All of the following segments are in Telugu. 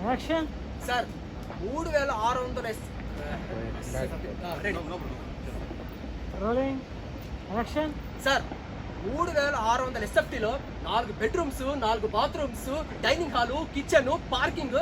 Action sir 3600 rolling action sir 3600 ఎస్ఎఫ్టీలో 4 bedrooms 4 bathrooms dining hall kitchen parking.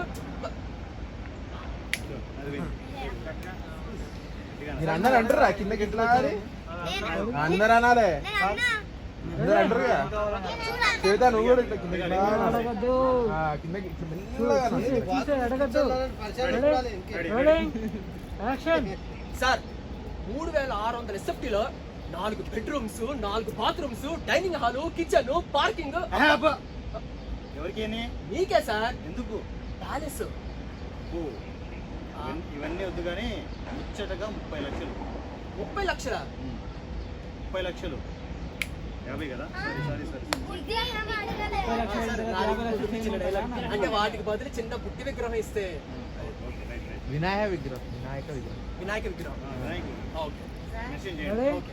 మీరు అందరు అంటారా కిందకి ఎట్లా అందరు అనాలే అందరు అంటారు చేత నువ్వు కూడా ఇట్లా కిందకి అడగద్దు కిందకి అడగద్దు రోలింగ్ యాక్షన్ సార్ 3600 ఎస్ఎఫ్టీలో 4 bedrooms 4 bathrooms dining hall kitchen parking. ఎవరికి మీకే సార్. ఎందుకు ప్యాలెస్. ఇవన్నీ వద్దు కానీ ముచ్చటగా 30 లక్షలు. 30 లక్షల 30 లక్షలు 50 కదా. సారీ అంటే వాటికి బదులు చిన్న బుద్ధి విగ్రహం ఇస్తే. వినాయక విగ్రహం వినాయక విగ్రహం. ఓకే మెన్షన్ చేయండి. ఓకే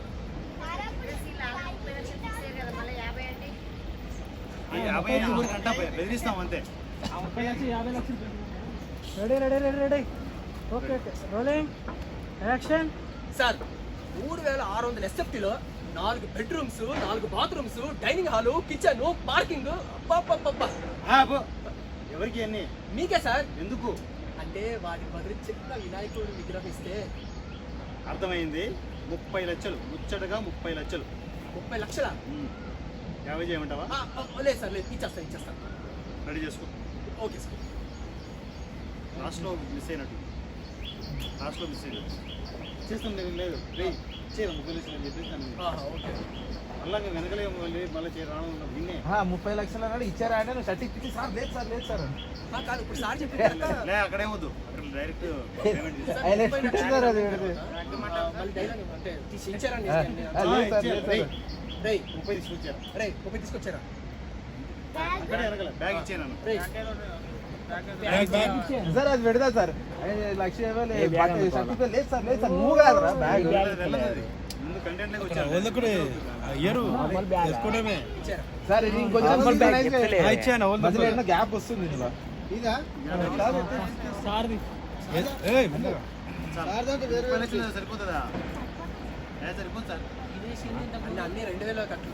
50 అంటా బెదిరిస్తాం అంతే. 50 లక్షలు ready okay rolling action sir 3600 ఎస్ఎఫ్టీలో 4 bedrooms 4 bathrooms dining hall kitchen parking. ఎవరికి అన్ని మీకే సార్. ఎందుకు అంటే వాటికి బదులు చిన్న వినాయకుడు విగ్రహం ఇస్తే. అర్థమైంది. 30 లక్షలు ముచ్చటగా 30 లక్షలు. 30 లక్షల 50 చేయమంటావా? లేదు సార్ లేదు ఇచ్చేస్తాను. రెడీ చేసుకో. Okay sir. లాస్ట్లో మిస్ అయినట్టు చేస్తాం. లేదు చేయను 30 లక్షలు అని చెప్పేసి ఓకే మళ్ళీ వెనకలే మళ్ళీ రావడం విన్నే 30 లక్షలు అన్నాడు ఇచ్చారా అంటే నువ్వు సర్టిఫికెట్ సార్ లేదు సార్ కాదు ఇప్పుడు సార్ చెప్పి లే అక్కడేమొద్దు అక్కడ డైరెక్ట్ పేమెంట్ మళ్ళీ డైలాగ్ అంటే ఇచ్చారండి. 30 తీసుకొచ్చారు. 30 తీసుకొచ్చారా? అక్కడే వెనకలే బ్యాగ్ ఇచ్చాను. సార్ అది పెడతా సార్ 1 లక్ష ఇవ్వాలి సర్టిఫికెట్ లేదు సార్ నువ్వు కాదురా బ్యాగ్ ముందు కంటెంట్ వచ్చారు. సార్ ఇది ఇంకొంచెం గ్యాప్ వస్తుంది ఇందులో. సరిపోతుందా? సరిపోతుంది సార్. అన్ని 2000 కట్లు.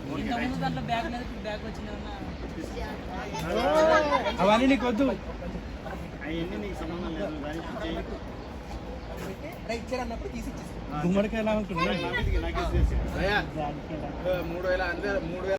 అవన్నీ నీకు వద్దు. అవన్నీ నీకు సంబంధం లేదు. ఇచ్చారన్నప్పుడు తీసి గుమ్మడికాయ ఎలా ఉంటుంది? నాకు 3000